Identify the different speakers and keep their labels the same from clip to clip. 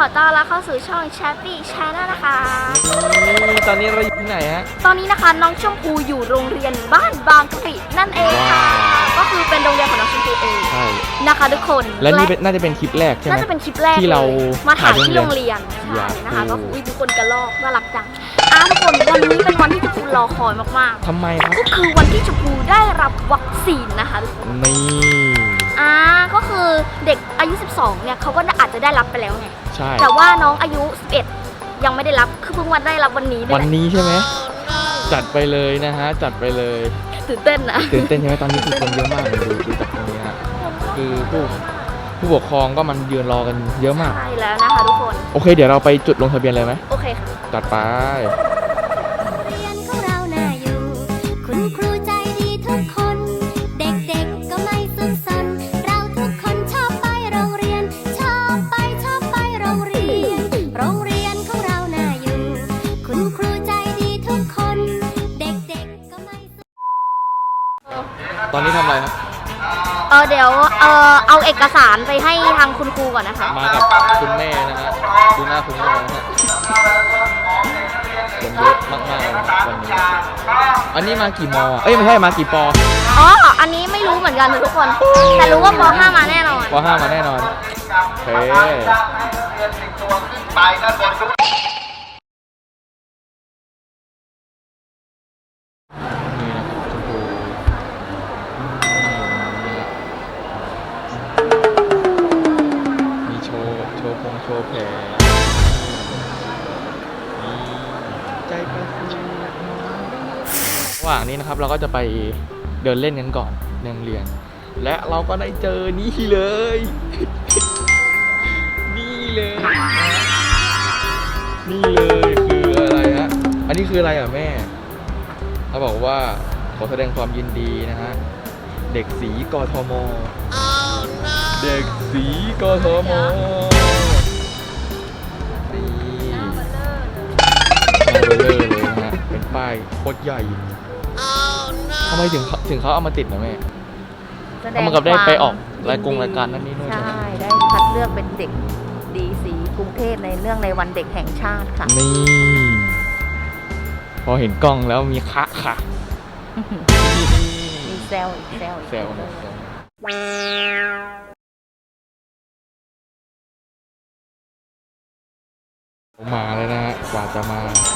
Speaker 1: อต้อนรับเข้าสู่ช่อง Chappy Channel นะคะ
Speaker 2: ตอนนี้เราอยู่ที่ไหนฮะ
Speaker 1: ตอนนี้นะคะน้องชมพูอยู่โรงเรียนบ้านบางกะปินั่นเองค่ะก็คือเป็นโรงเรียนของน้องชมพูเอง
Speaker 2: ใช่
Speaker 1: นะคะทุกคน
Speaker 2: และนี่น่าจะเป็นคลิปแรกใช่ไหม
Speaker 1: น่าจะเป็นคลิปแรก
Speaker 2: ที่เรา
Speaker 1: มาถ่ายที่โรงเรียนใช่นะคะก็คือทุกคนกระลอกน่ารักจังทุกคนวันนี้เป็นวันที่ชมพูรอคอยมาก
Speaker 2: ๆทำไมครับ
Speaker 1: ก็คือวันที่ชมพูได้รับวัคซีนนะคะทุกคน
Speaker 2: นี่
Speaker 1: ก็คือเด็กอายุ12เนี่ยเขาก็อาจจะได้รับไปแล้วไง
Speaker 2: ใช่
Speaker 1: แต่ว่าน้องอายุ11ยังไม่ได้รับคือเพิ่งวันได้รับวันนี้
Speaker 2: วันนี้ใช่ไหมจัดไปเลยนะฮะจัดไปเลย
Speaker 1: ตื่นเต้นนะ
Speaker 2: ตื่นเต้นใช่ไหมตอนนี้คือคนเยอะมากเลยดูจากตรงนี้ฮะคือผู้ปกครองก็มันยืนรอกันเยอะมาก
Speaker 1: ใช่แล้วนะคะทุกคน
Speaker 2: โอเคเดี๋ยวเราไปจุดลงทะเบียนเลยไหม
Speaker 1: โอเคค่ะ
Speaker 2: จัดไปตอนนี้ทำอะไรครับ
Speaker 1: เดี๋ยวเอาเอกสารไปให้ทางคุณครูก่อนนะคะ
Speaker 2: มากับคุณแม่นะฮะดูหน้าคุณแม่นะฮะคนเยอะมากๆเลยวันนี้อันนี้มากี่มอเอ้ยไม่ใช่มากี่ปอ
Speaker 1: อันนี้ไม่รู้เหมือนกันทุกคนแต่รู้ว่าป .5 มาแน่นอน
Speaker 2: ป .5 มาแน่นอนโอเคโชว์แผลใจกระซิบระหว่างนี้นะครับเราก็จะไปเดินเล่นกันก่อนในโรงเรียนและเราก็ได้เจอนี่เลยนี่เลยคืออะไรฮะอันนี้คืออะไรอ่ะแม่เขาบอกว่าขอแสดงความยินดีนะฮะเด็กสีกทมเด็กสีกทมเลยนะฮะเป็นป้ายโคตรใหญ่ทำไมถึงเขาเอามาติดนะแม่เขามันกับได้ไปออกรายการนั่นนี่นู่น
Speaker 1: ใช่ได้คัดเลือกเป็นเด็กดีสีกรุงเทพในเรื่องในวันเด็กแห่งชาติค่ะ
Speaker 2: นี่พอเห็นกล้องแล้วมีค่ะ
Speaker 1: มีแซว
Speaker 2: มาแล้วนะฮะกว่าจะมา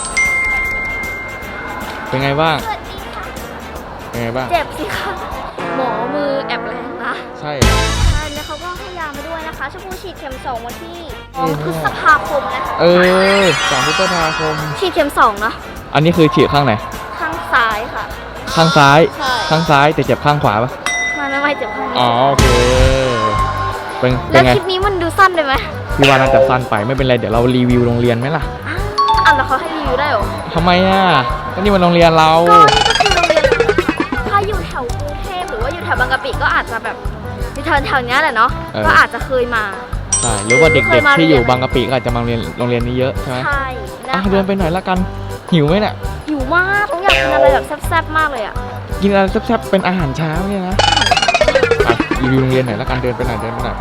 Speaker 2: เป็นไงบ้างเป็นไงบ้าง
Speaker 1: เจ็บสิคะหมอมือแอบแรงนะ
Speaker 2: ใช่
Speaker 1: แล้วเขาก็ให้ยามาด้วยนะคะชมพูฉีดเข็ม2วันที่พฤษภาคมนะ
Speaker 2: 2 พฤษภาคม
Speaker 1: ฉีดเข็ม2เนาะ
Speaker 2: อันนี้คือฉีดข้างไหน
Speaker 1: ข้างซ้ายค่ะ
Speaker 2: ข้างซ้ายแต่เจ็บข้างขวาปะ
Speaker 1: ไม่เจ็บข้างนี้
Speaker 2: โอเค
Speaker 1: แล้วคลิปนี้มันดูสั้นเลยไหม
Speaker 2: พี่ว่าน่าจะสั้นไปไม่เป็นไรเดี๋ยวเรารีวิวโรงเรียนไหมล่ะ
Speaker 1: แล้วเขาให้รีวิวได้หรอ
Speaker 2: ทำไมก็นี่มันโรงเรียนเรา
Speaker 1: ก็นี่ก็คือโรงเรียนถ้าอยู่แถวกรุงเทพหรือว่าอยู่แถวบางกะปิก็อาจจะแบบแถวนี้แหละเนาะก็อาจจะเคยมา
Speaker 2: ใช่หรือว่าเด็กๆที่อยู่บางกะปิก็อาจจะมาโรงเรียนนี้เยอะใช่ไหม
Speaker 1: ใช่
Speaker 2: เดินไปหน่อยละกันหิวไหมเนี่ย
Speaker 1: หิวมากต้องอยากกินอะไรแบบแซ่บๆมากเลย
Speaker 2: กินอะไรแซ่บๆเป็นอาหารเช้าเนี่ยนะไปรีวิวโรงเรียนหน่อยละกันเดินไปหน่อยไป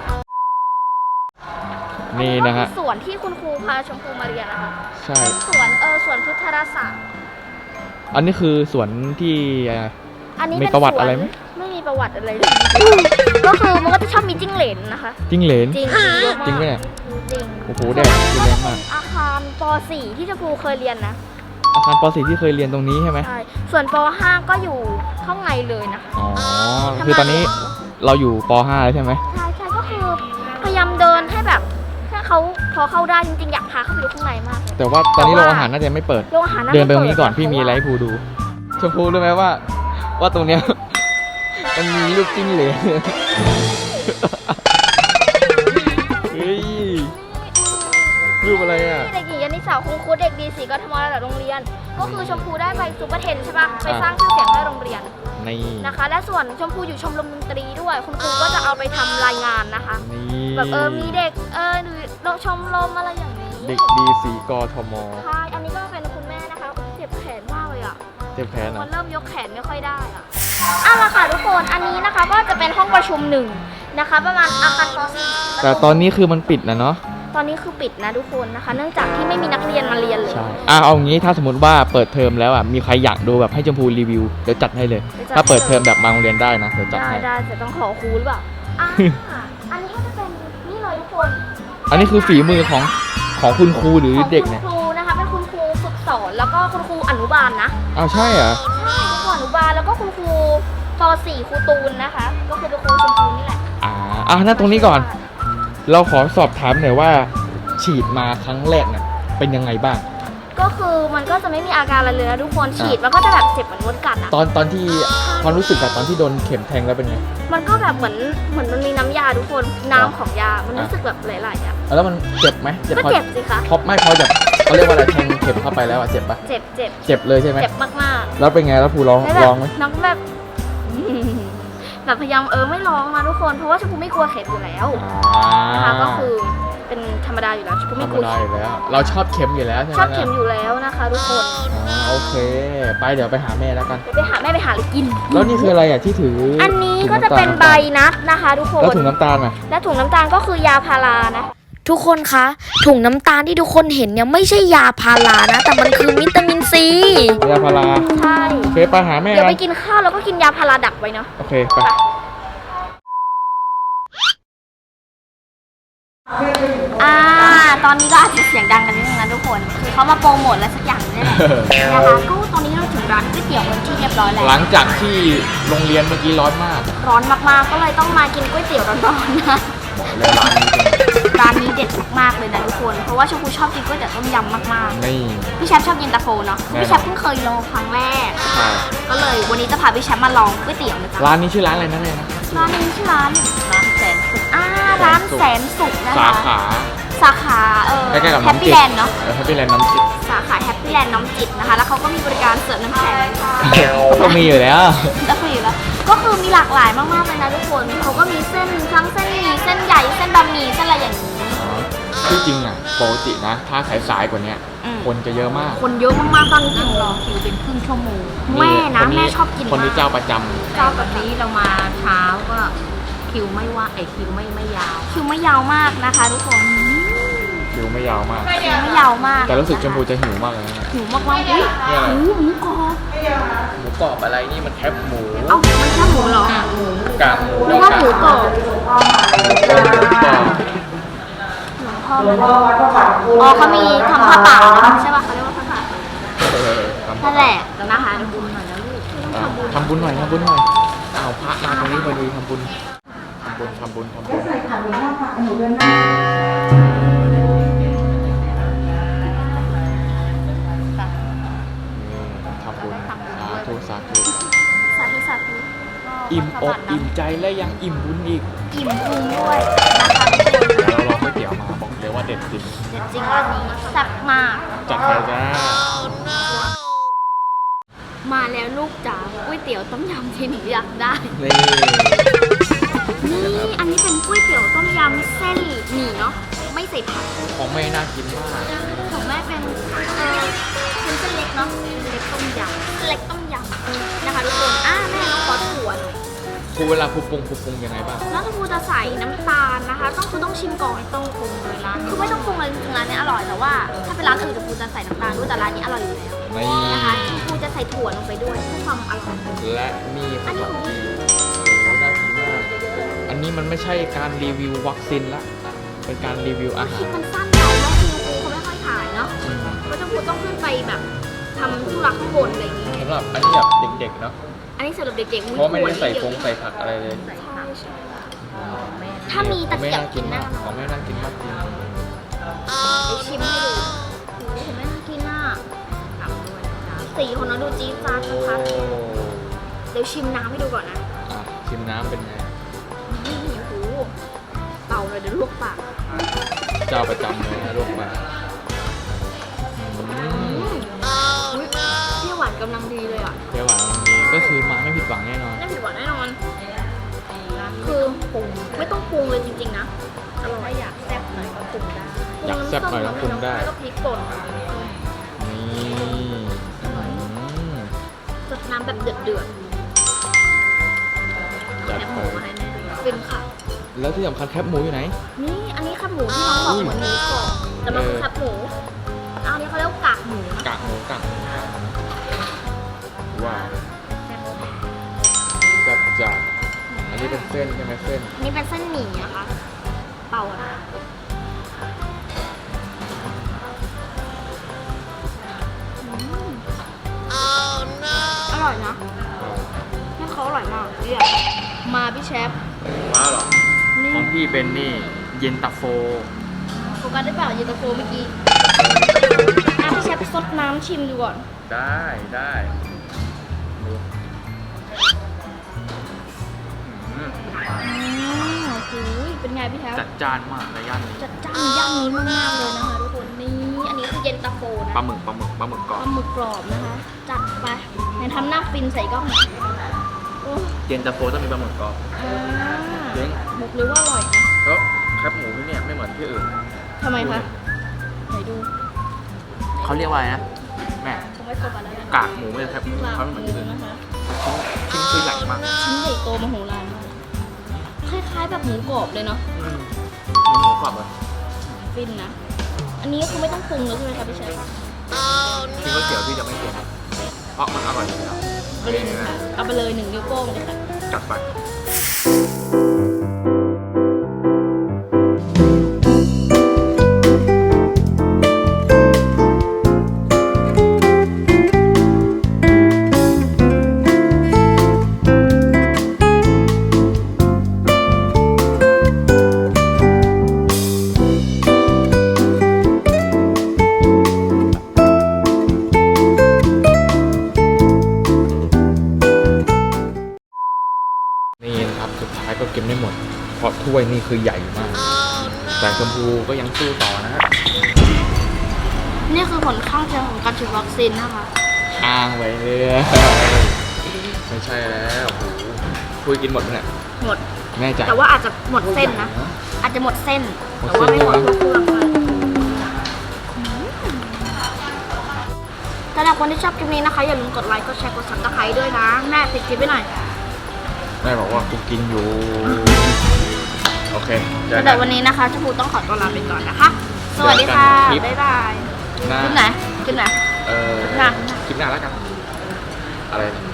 Speaker 2: นี่นะฮะ
Speaker 1: สวนที่คุณครูพาชมพูมาเรียนนะคะ
Speaker 2: ใช่
Speaker 1: สวนพุทธราษฎร์
Speaker 2: อันนี้คือสวนที่
Speaker 1: มี
Speaker 2: ประวัติอะไรไหม
Speaker 1: ไม่มีประวัติอะไรเลยก็คือมันก็จะชอบมีจิ้งเหลนนะคะ
Speaker 2: จิ้งเหลน
Speaker 1: จริง
Speaker 2: ไหมเนี่ย
Speaker 1: จริง
Speaker 2: โอ้โหแดดแรงมาก
Speaker 1: อาคารป .4 ที่ชมพูเคยเรียนนะ
Speaker 2: อาคารป .4 ที่เคยเรียนตรงนี้ใช่ไหม
Speaker 1: ใช่ส่วนป .5 ก็อยู่ข้างในเลยนะคะ
Speaker 2: คือตอนนี้เราอยู่ป .5 แล้วใช่ไหม
Speaker 1: ใช่ก็คือพยายามเดินให้แบบถ้าเขาพอเข้าได้จริงๆอยากพาเข้าไปดูข้างในมาก
Speaker 2: แต่ว่าตอนนี้โรงอาหารน่าจะไม่เปิดเดินไปตรงนี้ก่อนพี่มีอะไรให้พูดูชมพูรู้ไหมว่าตรงเนี้ยมันมีลูกจิ้งเหลนเฮ้ยรูปอะไร
Speaker 1: เด็กหญิงยานิสาคงครูเด็กดีสีกทมระดับโรงเรียนก็คือชมพูได้ไปซุปเปอร์เทนใช่ปะไปสร้างชื่อเสียงให้โรงเรียนนะคะและส่วนชมพูอยู่ชมรมดนตรีด้วยคุณครูก็จะเอาไปทำรายงานนะคะแบบมีเด็กหรือชมรมอะไรอย่างนี้
Speaker 2: เด็กดีสีกทม
Speaker 1: ใช่อันนี้ก็เป็นคุณแม่นะคะเจ็บแขนมากเลย
Speaker 2: เจ็บแขน
Speaker 1: มันเริ่มยกแขนไม่ค่อยได้ละค่ะทุกคนอันนี้นะคะก็จะเป็นห้องประชุม1นะคะประมาณอาคารป
Speaker 2: .4 แต่ตอนนี้คือมันปิดนะเนาะ
Speaker 1: ตอนนี้คือปิดนะทุกคนนะคะ เนื่องจากที่ไม่มีนักเรียนมาเรียนเลย
Speaker 2: ใช่เอางี้ถ้าสมมติว่าเปิดเทอมแล้วมีใครอยากดูแบบให้ชมพูรีวิวเดี๋ยวจัดให้เลยถ้าเปิดเทอมแบบมาโรงเรียนได้นะเดี๋ยวจัดให้
Speaker 1: ได้แต่ต้องขอครูหรือเปล่าอันนี้ก็จะเป็นนี่เลยทุกคน
Speaker 2: อันนี้คือฝีมือของคุณครูหรือเด็กเนี่ย
Speaker 1: ของคุณครูนะคะเป็นคุณครูฝึกสอนแล้วก็คุณครูอนุบาลนะ
Speaker 2: อ้าวใช่เหรอ
Speaker 1: ใช่คุณครูอนุบาลแล้วก็คุณครูป .4 ครูตูนนะคะ ก็คือเป็นครูชมพูนี่แหละ
Speaker 2: นั่นตรงนี้ก่อน เราขอสอบถามหน่อยว่าฉีดมาครั้งแรกเนี่ยเป็นยังไงบ้าง
Speaker 1: ก็คือมันก็จะไม่มีอาการอะไรเลยนะทุกคนฉีดมันก็จะแบบเจ็บเหมือนมดกัดอ่ะ
Speaker 2: ตอนที่ความรู้สึกกับตอนที่โดนเข็มแทงแล้วเป็นไง
Speaker 1: มันก็แบบเหมือนมันมีน้ำยาทุกคนน้ำของยามันรู้สึกแบบหลายๆอ่ะ
Speaker 2: แล้วมันเจ็บไหม
Speaker 1: ก็เจ็บสิคะ
Speaker 2: พอจะเขาเรียกว่าอะไรแทงเข็มเข้าไปแล้วเจ็บปะ
Speaker 1: เจ็บ
Speaker 2: เจ็บเลยใช่ไหม
Speaker 1: เจ็บมาก
Speaker 2: แล้วเป็นไงแล้วครูร้อง
Speaker 1: ๆแล้วแบบ
Speaker 2: ร้องไหม
Speaker 1: น้องแบบ แบบพยายามไม่ร้องนะทุกคนเพราะว่าชมพูไม่กลัวเข็มอยู่แล้วนะคะก็คือเป็นธรรมดาอยู่แล้วชมพู
Speaker 2: ธร
Speaker 1: ไม่
Speaker 2: ร
Speaker 1: ก
Speaker 2: ม
Speaker 1: ลัว
Speaker 2: ดาอยู่แล้ว เราชอบเข็มอยู่แล้วใช่ไหม
Speaker 1: ชอบเข็มอยู่แล้วนะคะทุกคน
Speaker 2: โอเคไปเดี๋ยวไปหาแม่แล้วกัน
Speaker 1: เดี๋ยวไปหาแม่ไปหาอะไรกิน
Speaker 2: แล้วนี่คืออะไรที่ถือ
Speaker 1: อั
Speaker 2: อั
Speaker 1: นนี้ก็จะเป็นใบนัดนะคะทุกคน
Speaker 2: แล้วถุงน้ำตาลอ่ะ
Speaker 1: และถุงน้ำตาลก็คือยาพารานะ
Speaker 3: ทุกคนคะถุงน้ำตาลที่ทุกคนเห็นเนี่ยไม่ใช่ยาพารานะ แต่มันคือวิตามินซี
Speaker 2: ยาพารา
Speaker 1: ใช่
Speaker 2: โอเคไปหาแม่
Speaker 1: เดี๋ยว
Speaker 2: กั
Speaker 1: ไป
Speaker 2: น
Speaker 1: กินข้าวแล้วก็กินยาพาราดักไว้เนาะ
Speaker 2: โอเคไป
Speaker 1: ตอนนี้ก็อาจจะเสียงดังกันนิดนึงนะทุกคนคือเขามาโปรโมทอะไรสักอย่างนี่แหละนะคะก็ตอนนี้เราถึงร้านก๋วยเตี๋ยวเป็นที่เรียบร้อยแล้ว
Speaker 2: หลังจากที่โรงเรียนเมื่อกี้ร้อนมาก
Speaker 1: ร้อนมากๆก็เลยต้องมากินก๋วยเตี๋ยวร้อนๆนะ
Speaker 2: บอกเลยร้านนี้เป็น
Speaker 1: ร้านนี้เด็ดมากๆเลยนะทุกคนเพราะว่าชมพูชอบกินก๋วยเตี๋ยวต้มยำมาก
Speaker 2: นี่
Speaker 1: ๆพี่แชมป์ชอบกินตาโฟเนาะ
Speaker 2: แน่นอน
Speaker 1: พี่แชมป์เพิ่งเคยลองครั้งแรก
Speaker 2: ใช่
Speaker 1: ก็เลยวันนี้จะพาพี่แชมป์มาลองก๋วยเตี๋ยวนะจ๊ะ
Speaker 2: ร้านนี้ชื่อร้านอะไรนะแม่นะ
Speaker 1: ร้านนี้ชื่อร้านแสนสุขร้านแสนสุขนะคะ
Speaker 2: สาขา
Speaker 1: สาขา
Speaker 2: ใกล้ๆกับ
Speaker 1: แฮป
Speaker 2: น้ำจิ
Speaker 1: ปี้
Speaker 2: ต
Speaker 1: แลนด์เนาะ
Speaker 2: แฮปปี้แลนด์น้ำจิต
Speaker 1: สาขาแฮปปี้แลนด์น้ำจิตนะคะ แล้วเขาก็มีบริการเสิร์ฟน้ำแข็ง
Speaker 2: ก็มีอยู่แล้ว
Speaker 1: แล้วคืออยู่แล้วก็คือมีหลากหลายมากๆเลยนะทุกคนเขาก็มีเส้นทั้งเส้นหมี่เส้นใหญ่เส้นบะหมี่เส้นอะไรอย่างนี้
Speaker 2: ที่จริงอ่ะปกตินะ ถ้าสายๆกว่านี้ คนจะเยอะมาก
Speaker 1: คนเยอะมากๆตอนนี้ถึงรอคิวเป็นครึ่งชั่วโมงแม่นะแม่ชอบกิน
Speaker 2: คนนี้
Speaker 1: มาก
Speaker 2: เจ้าประจำ
Speaker 4: เจ้าแบบนี้เรามาเช้าก็คิวไม่ว่าคิวไม่ยาว
Speaker 1: คิวไม่ยาวมากนะคะทุกคน
Speaker 2: คิวไม่ยาวมาก
Speaker 1: คิวไม่ยาวมาก
Speaker 2: แต่รู้สึกชมพูจะหิวมากเลยนะ
Speaker 1: หิวมากๆอุ้ย
Speaker 2: เนี่ยอะไร
Speaker 1: หมูกรอบ
Speaker 2: หมูกรอบอะไรนี่มันแคบหมู
Speaker 1: เอ้ามันแค่หมูเหรอ
Speaker 2: กากหมู
Speaker 1: หรือว่าหมูกรอบ
Speaker 2: หมูกรอบ
Speaker 1: อ๋อเขามีทำผ้าป่านะใช่ป่ะเขาเรียกว่าผ้าป่า
Speaker 2: ทำ
Speaker 1: นั่นแหละนะคะทำบุญหน่อยนะลูก
Speaker 2: ทำบุญหน่อยเอาพระมาตรงนี้พอดีทำบุญสาธุ
Speaker 1: สาธุ
Speaker 2: อิ่มอกอิ่มใจและยังอิ่มบุญอีก
Speaker 1: อิ่มพุงด้วยนะคะทุกคน
Speaker 2: เดี๋ยวเราลองก๋วยเตี๋ยวมาบอกเลยว่าเด็ดจริง
Speaker 1: เด็ดจริงร้านนี้แซ่บมาก
Speaker 2: จัดไปจ้า
Speaker 1: มาแล้วลูกจ๋าก๋วยเตี๋ยวต้มยำที่หนูอยากได้
Speaker 2: นี่
Speaker 1: นี่อันนี้เป็นก๋วยเตี๋ยวต้มยำเส้นหมี่เนาะไม่ใส่ผัก
Speaker 2: ของแม่น่ากินมาก
Speaker 1: ของแม่เป็นเส้นเล็กเนาะเล็กต้มยำเล็กต้มยำนะคะทุกคนแม่น้องขอถั่วหน่อย
Speaker 2: ครูเวลาครูปรุงยังไงบ้าง
Speaker 1: แล้วครูจะใส่น้ำตาลนะคะต้องชิมก่อนต้องปรุงเลยร้านคือไม่ต้องปรุงเลยจริงๆร้านนี้อร่อยแต่ว่าถ้าเป็นร้านอื่นครูจะใส่น้ำตาลด้วยแต่ร้านนี้อร่อยอยู่แล้ว
Speaker 2: นี่
Speaker 1: นะคะครูจะใส่ถั่วลงไปด้วยเพื่อความอร่อย
Speaker 2: และนี่ขนมจีนโอ้โหน่ากินมากอันนี้มันไม่ใช่การรีวิววัคซีนละเป็นการรีวิวอา
Speaker 1: ค
Speaker 2: หา
Speaker 1: ลิป
Speaker 2: ร
Speaker 1: มันสั้นไปแล้วครูเขาไม่ค่อยถ่ายเนาะก็จะครูต้องขึ้นไปแบบทำธุระข้างบนอะไรอย่างงี้
Speaker 2: สำหรับอันนี้แบบเด็กๆเนาะ
Speaker 1: อันนี้สำหรับเด็กๆ
Speaker 2: เพราะไม่ได้ใส่ฟงใส่ผักอะไรเลย
Speaker 1: ถ้ามีตะเกียบกินหน้า
Speaker 2: ของแม่น่ากินมากจริง
Speaker 1: ไปชิมให้ดูโอ้โหแม่น่ากินอ่ะสีของน้องดูจี๊ดจ๊าดนะคะ
Speaker 2: โอ้
Speaker 1: เดี๋ยวชิมน้ำให้ดูก่อนนะ
Speaker 2: ชิมน้ำเป็นไง
Speaker 1: นี่โอ้โหเป่าเลยเดี๋ยวลวกปาก
Speaker 2: เจ้าประจำเลยนะลูกมา
Speaker 1: อุ๊ยเปรี้ยวหวานกำลังดีเลยอ่ะ
Speaker 2: เปรี้ยวหวานกำลังดีก็คือมาไม่ผิดหวังแน่นอน
Speaker 1: ไม่ผิดหวังแน่นอน คือปรุงไม่ต้องปรุงเลยจริงๆนะอร่อยอยากแซ่บหน่อยก็ปรุงได้
Speaker 2: อยากแซ่บหน่อยก็ปรุงได้
Speaker 1: แล้วก็พริกป่น
Speaker 2: นี่
Speaker 1: สดน้ำแบบเดือด
Speaker 2: จัด
Speaker 1: แหนมห
Speaker 2: ไป
Speaker 1: มูมาให้แม่ด้วยเป็นค่ะ
Speaker 2: แล้วที่สำคัญแคบหมูอยู่ไหน
Speaker 1: นี่อันนี้แคบหมูที่น้องบอกเหมือนหมูกรอบแต่มันคือแคบหมูอันนี้เขาเรียกว่ากากหมูนะ
Speaker 2: กากหมูว้าวจัดจ้านอันนี้เป็นเส้นใช่ไหมเส้น
Speaker 1: นี่เป็นเส้นหมี่นะคะเป่านะอร่อยนะนี่เขาอร่อยมากเนี่ยมาพี่เชฟ
Speaker 2: มาเหรอ
Speaker 1: นี่
Speaker 2: ของพี่เป็นนี่เย็นตาโฟ
Speaker 1: โฟกัสได้เปล่าเย็นตาโฟเมื่อกี้พี่เชฟซดน้ำชิมดูก่อน
Speaker 2: ได้ดูอืม
Speaker 1: โอ้ยเป็นไงพี่แท้
Speaker 2: จัดจ้านมากในย่านนี้
Speaker 1: จัดจ้านย่านนี้มากๆเลยนะคะทุกคนนี่อันนี้คือเย็นตาโฟนะ
Speaker 2: ปลาหมึกกรอบ
Speaker 1: ปลาหมึกกรอบนะคะ จัดไปไหนทำหน้าฟินใส่กล้องหน่อยโอ้
Speaker 2: เย็นตาโฟต้องมีปลาหมึกกรอบ
Speaker 1: อ่า
Speaker 2: จริง
Speaker 1: บอกเลยว่าอร่อยนะ
Speaker 2: แล้วแคบหมูที่เนี่ยไม่เหมือนที่อื่น
Speaker 1: ทำไมคะไหนดู
Speaker 2: เขาเรียกว่าอะไรนะแม่
Speaker 1: ผมไม่โฟกัสแล้วนะ
Speaker 2: กากหมูไม่ใช่แคบหมู
Speaker 1: กาก
Speaker 2: เขาไม่
Speaker 1: ห
Speaker 2: เหมือน
Speaker 1: มู
Speaker 2: ที่อื่น
Speaker 1: นะคะ
Speaker 2: ชิ้นคือใหญ่มาก
Speaker 1: ชิ้นใหญ่โตมโหฬารมากคล้ายๆแบบหมูกรอบเลยเนาะ
Speaker 2: หมูกรอบเลย
Speaker 1: ฟินนะ อันนี้คือไม่ต้องปรุงเลยใช่ไหมคะพี่เชฟ
Speaker 2: กินก๋วยเตี๋ยวพี่จะไม่เค็มเพราะมันอร่อยอยู่แล้ว
Speaker 1: เอาเลยเอาไปเลย1 นิ้วโป้งเลยค่ะ
Speaker 2: จัดไปนี่นะครับสุดท้ายก็กินไม่หมดเพราะถ้วยนี่คือใหญ่มากแต่ชมพูก็ยังสู้ต่อนะฮะ
Speaker 1: นี่คือผลข้างเคียงของการฉีดวัคซีนนะคะ
Speaker 2: อ้างไปเรื่อยไม่ใช่แล้วโอ้โหคุยกินหมดไหมเนี่ย
Speaker 1: หมด
Speaker 2: แน่ใจ
Speaker 1: แต่ว่าอาจจะหมดเส้นนะ อาจจะหมดเส้น
Speaker 2: หมด
Speaker 1: แต่
Speaker 2: เส้
Speaker 1: ว่าน ไม่หมด
Speaker 2: ใช่ไหม
Speaker 1: ทุกเครื่องเลยสำหรับคนที่ชอบคลิปนี้นะคะ อย่าลืมกดไลค์ กดแชร์ กดซับสไครต์ด้วยนะ แม่ติดคลิปไว้หน่อย
Speaker 2: แม่บอกว่ากูกินอยู่ โอเคเจอ
Speaker 1: แต่
Speaker 2: กัน
Speaker 1: วันนี้นะคะชมพูต้องขอตัวลาไปก่อนนะคะ สวัสดีค่ะ
Speaker 2: เจอกันคลิป
Speaker 1: บ๊ายบาย
Speaker 2: หน้า
Speaker 1: คลิปไหนคลิปไหน
Speaker 2: เออ
Speaker 1: หน้า
Speaker 2: คลิปหน้าแล้วกัน อะไรนะ